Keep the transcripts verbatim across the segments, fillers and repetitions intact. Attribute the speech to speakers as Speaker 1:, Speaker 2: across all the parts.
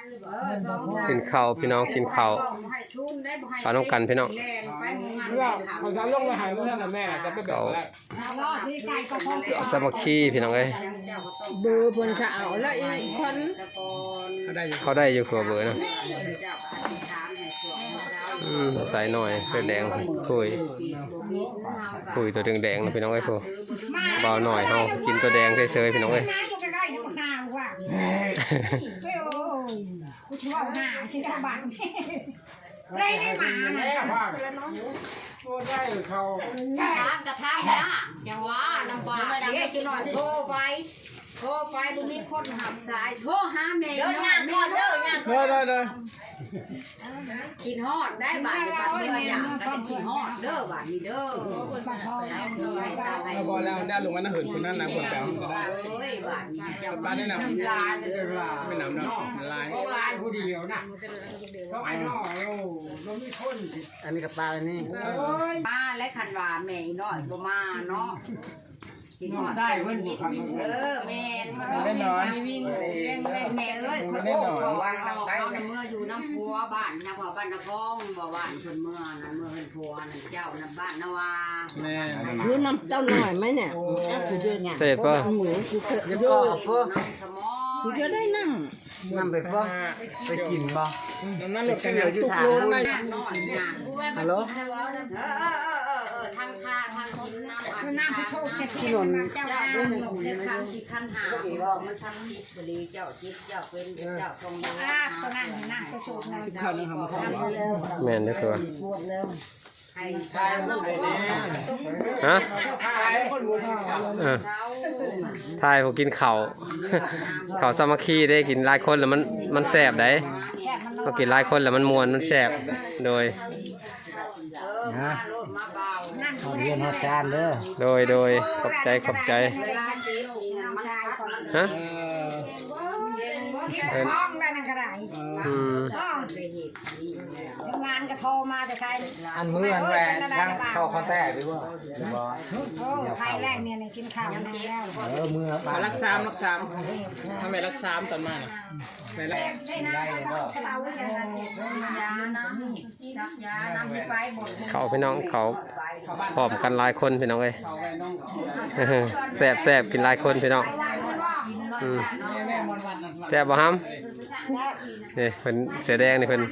Speaker 1: กินข้าวพี่น้องกินข้าวข้าวน้องกันพี่น้อง
Speaker 2: เขาจะลงมาหาเพื่อนแม่จะไปแบบแรก
Speaker 1: สามัคคีพี่น้องเอ้ย
Speaker 3: เบอร์บนเขาแล้วอีกคน
Speaker 1: เขาได้อยู่ขัวเบอร์นะอืมใส่หน่อยเสื้อแดงคุยคุยตัวแดงๆนะพี่น้องเอ้ยพวกเบาหน่อยเฮากินตัวแดงเฉยๆพี่น้องเอ้ย
Speaker 3: กูชอบหาชื่อบ้านได้ได้มา
Speaker 2: เนี่ยพ่อโอ้ได้เขา
Speaker 4: ทางกระทำนะอย่าว่าลำบากเดี๋ยวจะหน่อยโทรไปโทรไปบุมีคนหับสายโทรหาแม่เด้อยาแม่เด้อยา
Speaker 2: เด้อเด้อเด้อ
Speaker 4: กินฮอดได้บาทบาทเมื่ออย่างกันกินฮอดเด้อบาทนี้เด้อ
Speaker 2: พอแล้วได้ลงมาหน้าหื่นคนนั้นนะคนแปลงก็ได้
Speaker 4: เฮ้ยบาทนี้จะ
Speaker 2: บ้านนี่นะลายจะลายไม่หนำเนาะลายลายผู้เดียวนะสมัยน้อยโอ้เราไม่คน
Speaker 3: อันนี้กับปลาอันนี้
Speaker 4: มาและคันว่าแม่น้อยบ่มาเนาะกินฮอด
Speaker 2: ได้เพิ่น
Speaker 4: เออแม่แม่น้อยแม่เอ้ยคนโอ้ขอว่าเราเอาเมื่ออยู่น้ำพัวบ้านนะพ่อบ้านนครบ่บ้านคนเมื่อนั่นเมื่อเพิ่นพัวนั่นเจ้านั่นบ้านนาวา
Speaker 2: แม่
Speaker 3: คือน้ำเจ้าหน่อยไหมเนี่ยคือเยอะไง
Speaker 1: เสร็จป่ะ
Speaker 3: หมูคือเยอะก็พ่อคือเยอะได้น้ำน้ำไปพ่อไปกินบ่
Speaker 2: นั่นเหลือแค่ตุกโลนเลย
Speaker 3: ฮัลโหล
Speaker 4: เออเออเออเออเออทางคาทางกินน้ำอัดน้ำโชค
Speaker 3: ถนน
Speaker 4: เจ้าเรื่องของเจ้าคันที่คันหาบอกมันทำจิตบริเจ้าจิตเจ้าเป็นเจ้าทรงยาตัวนั้นนั่งไปโชคนะ
Speaker 2: ข้าวนึงทำมาข้าว
Speaker 1: แม่นเด้อตัว
Speaker 4: ไอ้ข้าว
Speaker 1: ฮะ
Speaker 2: เออ
Speaker 1: ทายผมกินข้าวข้าวสามัคคีได้กินหลายคนแล้วมันมันแซ่บได้พอกินหลายคนแล้วมันม่วนมันแซ่บโดย
Speaker 4: นะ
Speaker 3: ขอเรียนหัวจานเด้อ
Speaker 1: โดยโดยขอบใจขอบใจฮะ
Speaker 3: ท้องได้นั่นก็ได้
Speaker 1: อืม
Speaker 3: งานก็โทรมาแต่ใคร
Speaker 5: อันมืออันแหวนทั้งเข้าคอนแทคด้วยว่า
Speaker 3: โอ้ใครแรกเนี่ยกินข้าวแล้ว
Speaker 5: เออมือ
Speaker 2: มารักสามรักสามทำไมรักสามตอนมาน่ะไม่รัก
Speaker 4: ได้ก็ยาน้ำซักยาน้ำที่ไปหมด
Speaker 1: เขาพี่น้องเขาพร้อมกันหลายคนพี่น้องเอ้ยแซ่บแซ่บกินหลายคนพี่น้องแซ่บบ่ฮัมนี่เพิ่นเสือแดงนี่เพิ่น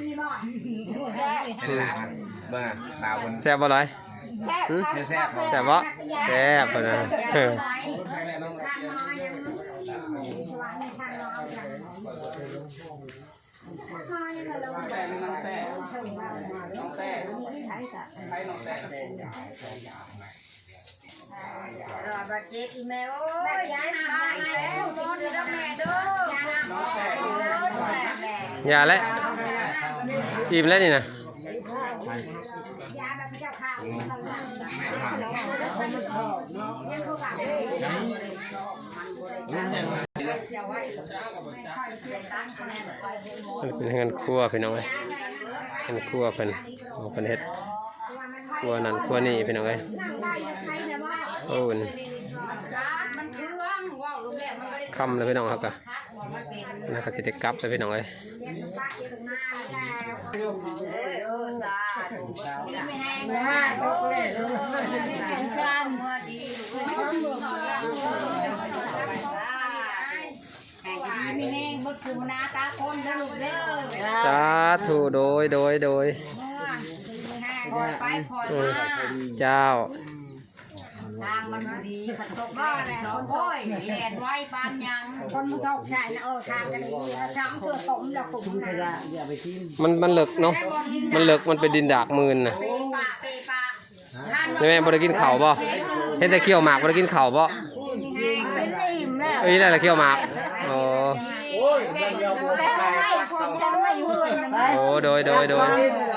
Speaker 5: บ้าสาวคน
Speaker 1: แซ่บบ่ร้อย
Speaker 5: แซ่บ
Speaker 1: แซ่บบ่แซ่บเพิ่นน่ะ
Speaker 4: รอบัดเจ็บอีแม่โอ้ยย้ายมาแล้วนอนแล้วแม่เด้อ
Speaker 1: อย่าแล้วอิ่มแล้วนี่นะเป็นเงินครัวพี่น้องเอ้ยเงินครัวเพิ่นเพิ่นเฮ็ดครัวนั่นครัวนี่พี่น้องเอ้ยโอ้ยคำเลยพี่น้องครับกะน่าจะติดกับเลยพี่น้องเอ้ย
Speaker 4: มีแห้งบดฟูนาตาคนเด้อลูกเด้อ
Speaker 1: สาธุโดยโดยโดย
Speaker 4: คอยไปคอยมา
Speaker 1: เจ้า
Speaker 4: ทางมันดีขัดตกบ้านแล้วโอ้ยแหลนไว้ปานยังคนมุทอกชายนะเออทางกันดีแล้วช้ำเพื่อผมแล้วผมนะ
Speaker 1: มันมันเหลือกเนาะมันเหลือกมันเป็นดินดากมืนน่ะใช่ไหมบ่ได้กินข้าวบ่เห็นแต่เคี่ยวหมากบ่ได้กินข้าวบ่เอ้ยอะไรเคี่ยวหมากอ๋อโอ้โดยโดยโดย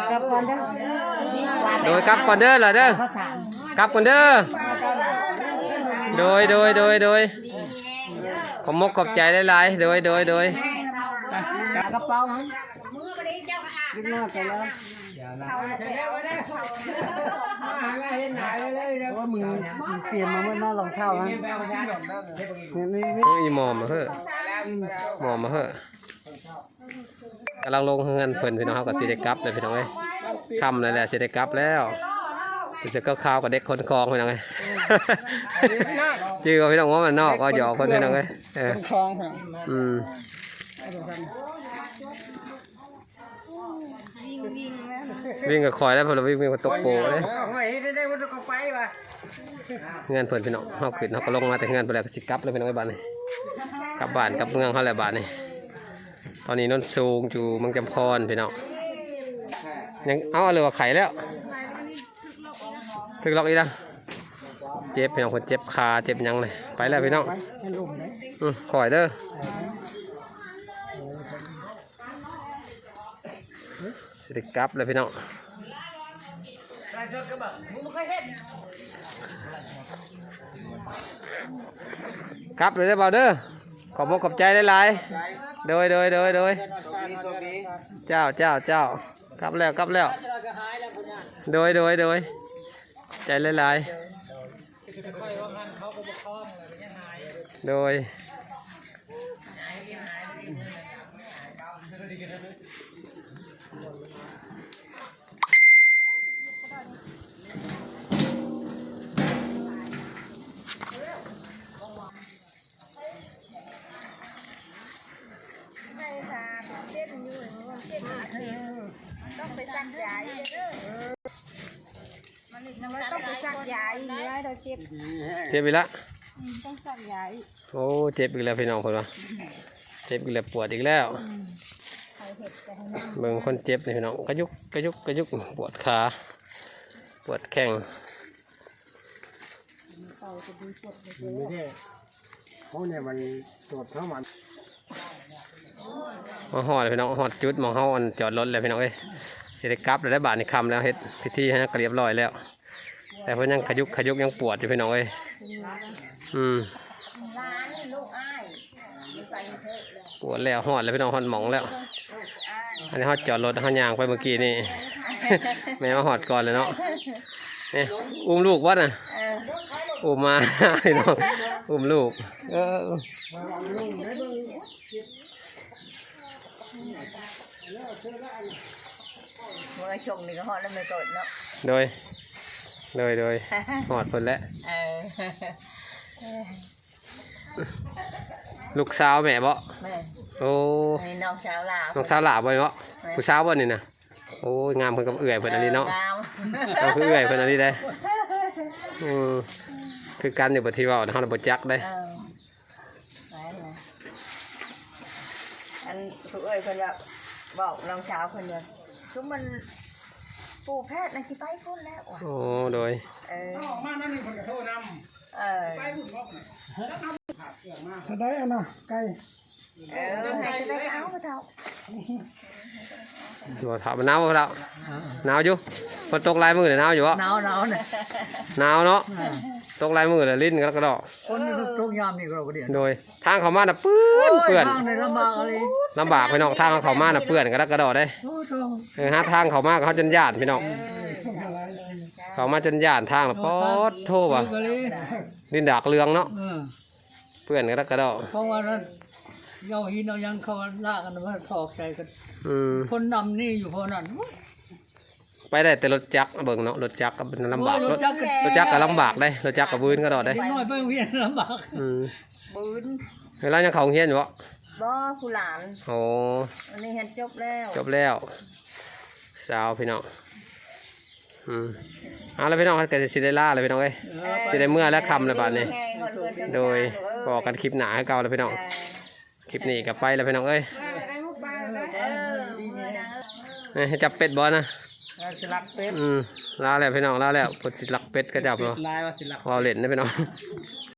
Speaker 1: โดยกลับก่อนเด้อล่ะเด้อกลับก่อนเด้อโดยโดยโดยโดยขอบมกขอบใจหลายๆโดยโดยโดย
Speaker 3: กระเป๋าขึ้นหน้าไปแล้วว่ามึงเตรียมมาเมื่อหน้ารองเท้านะนี่นี่
Speaker 1: อีหมอมมาเหอะหมอมมาเหอะกำลังลงเงินเพิ่นพี่น้องเขากับสิได้กลับเลยพี่น้องเอ้ยค่ำเลยแหละสิได้กลับแล้วจะก็ข้าวกับเด็กคนคลองพี่น้องเอ้ยจื้อพี่น้องว่ามันนอกก็หยอกคนพี่น้องเอ้ยเออ
Speaker 2: คลองค่ะ
Speaker 1: อืม
Speaker 3: วิ่งวิ่งแล้ว
Speaker 1: วิ่งกับคอยแล้วพอเราวิ่งวิ่งกับตกโปเลย
Speaker 2: ไม่ได้ได้วันก็ไปว่ะ
Speaker 1: เงินเพิ่นพี่น้องเขาขึ้นเขาก็ลงมาแต่เงินไปแล้วก็สิกลับเลยพี่น้องไอ้บ้านนี่กลับบ้านกลับเมืองเขาแหละบ้านนี่ตอนนี้นนสูงอยู่เมืองจำพรพี่น้องยังเอาเลยว่าไข่แล้วถึกล็อกอีกแล้วเจ็บพี่น้องคนเจ็บขาเจ็บยังเลยไปแล้วพี่น้องอืมคอยเด้อสิได้กลับเลยพี่น้องกลับเลยได้อเบาเด้อขอบอกขอบใจหลายๆโดยโดยโดยโดยเจ้าเจ้าเจ้ากลับแล้วกลับแล้วโดยโดยโดยใจหลายๆโดย
Speaker 3: ต้องไปซักยาอีกเด้อมันต้องไปซักยาอีกเลยเราเจ็บ
Speaker 1: เจ็บอีกแล้ว
Speaker 3: ต้องซักยาอีก
Speaker 1: โอ้เจ็บอีกแล้วพี่น้องคนว่าเจ็บอีกแล้วปวดอีกแล้วเบิ่งคนเจ็บนี่พี่น้องกระยุกกระยุกกระยุกปวดขาปวดแข้ง
Speaker 2: ไม่ใช่เขาเนี่ยมันตรวจเข้ามัน
Speaker 1: มาหอดพี่น้องหอดจุดมองเขาอันจอดรถเลยพี่น้องเอ้ยสิได้กลับเลยได้บาทในคำแล้วเฮ็ดพิธีให้เรียบร้อยแล้ว แต่เพิ่นยังขยุกขยุกยังปวดอยู่พี่น้องเอ้ยอืมปวดแล้วหอดแล้วพี่น้องหอดหมองแล้วอันนี้หอดจอดรถเขายางไปเมื่อกี้นี่ แม่มาหอดก่อนเลยเนาะเนี่ยอุ้มลูกวะน่ะอุ้มมา พี่น้องอุ้มลูกเออ
Speaker 3: เมื่อชงนี่ก็ฮอดแล้วไม่กดเนาะ
Speaker 1: โดยโดยโดยหอดคนแล้ว
Speaker 3: เออ
Speaker 1: ลูกสาวแม่บ่
Speaker 3: แม่
Speaker 1: โอ้
Speaker 3: นี่น้องสาวลาว
Speaker 1: น้องสาวหลาบ่เนาะผู้สาวบ่นี่นะโอ้ยงามเพิ่นกับเอื่อยเพิ่นอันนี้เนาะ
Speaker 3: งาม
Speaker 1: เราคือเอื่อยเพิ่นอันนี้ได้อืมคือกันอยู่บ่ที่เว้าเฮาน่ะบ่จักได้
Speaker 3: เออไปเลยอันผู้เอ้ยเพิ่นว่าบอกน้องสาวเพิ่นว่าชุมมันปู่แพทย์น่ะสิไปพุ่นแล้วว่ะ
Speaker 1: โอ้โดย
Speaker 3: เออ
Speaker 2: ออกมานั่นนี่คนกระโทษนำ
Speaker 3: เออ
Speaker 2: ไปหุ่นบอกถ้าได้อะนะไก่
Speaker 3: เออให้ไปก็เอาไปเถอะ
Speaker 1: บ่ถามหนาวบ่ล่ะหนาวอยู่ฝนตกหลายมื้อเลยหนาวอยู่บ่
Speaker 6: หนาวหนาวเนี่ย
Speaker 1: หนาวเนาะตกหลายมื้อเลยลิ้นกระดอก
Speaker 6: คนทุกยามนี่ก็เราก็เดียน
Speaker 1: โดยทางเข้ามาน่ะเปื้อนเปื้อน
Speaker 6: ทางในลำบากอะไร
Speaker 1: ลำบากพี่น้องทางเข้ามาน่ะเปื้อนกระดอกได้
Speaker 6: โอ้โห
Speaker 1: เออหาทางเข้ามาก็เขาจนย่านพี่น้องเข้ามาจนย่านทางน่ะป๊อดโทว่ะ
Speaker 6: ก็เลย
Speaker 1: ดินดากเรืองเนาะ
Speaker 6: เออ
Speaker 1: เพื่อนกระดกกระดอก
Speaker 6: เพราะว่านั้นเย้าหินเอายังเขาลากกันมาถอกใจกัน
Speaker 1: อืม
Speaker 6: คนนำนี่อยู่พอนั้น
Speaker 1: ไปได้แต่รถจักรเบิ่งเนาะรถจักรก็เป็นลำบาก
Speaker 6: โอ้ย
Speaker 1: ร
Speaker 6: ร
Speaker 1: ถ
Speaker 6: ถจักรก็
Speaker 1: รถจักรก็ลำบากได้รถจักรก็บืนกระดอกได้
Speaker 6: เด็กน้อยเพิ่งเวียนลำบาก
Speaker 1: อืม
Speaker 3: บืน
Speaker 1: เวลายังเขาโรงเฮียนอยู่บ่
Speaker 3: บ่ผู้หลาน
Speaker 1: โอ้
Speaker 3: อันนี้เฮ็ดจบแล้ว
Speaker 1: จบแล้วสาวพี่น้องอืมเอาแล้วพี่น้องก็จะสิได้ล่าเลยพี่น้องเอ้ยสิได้เมื่อและคำเลยบาดนี้
Speaker 3: ไงคนเพิ่น
Speaker 1: โดยบอกกันคลิปหนาให้เก่าแล้วพี่น้องคลิปนี้ก็ไปแล้วพี่น้องเอ้ย
Speaker 3: เออเมื่อดัง
Speaker 1: เอ้ยจับเป็ดบ่นะ
Speaker 2: สิลักเป็ด
Speaker 1: อืมลาแล้วพี่น้องลาแล้วกดสิลักเป็ดก็จับเนาะ
Speaker 2: ลายว่าสิลัก
Speaker 1: วาวเล่นนะพี่น้อง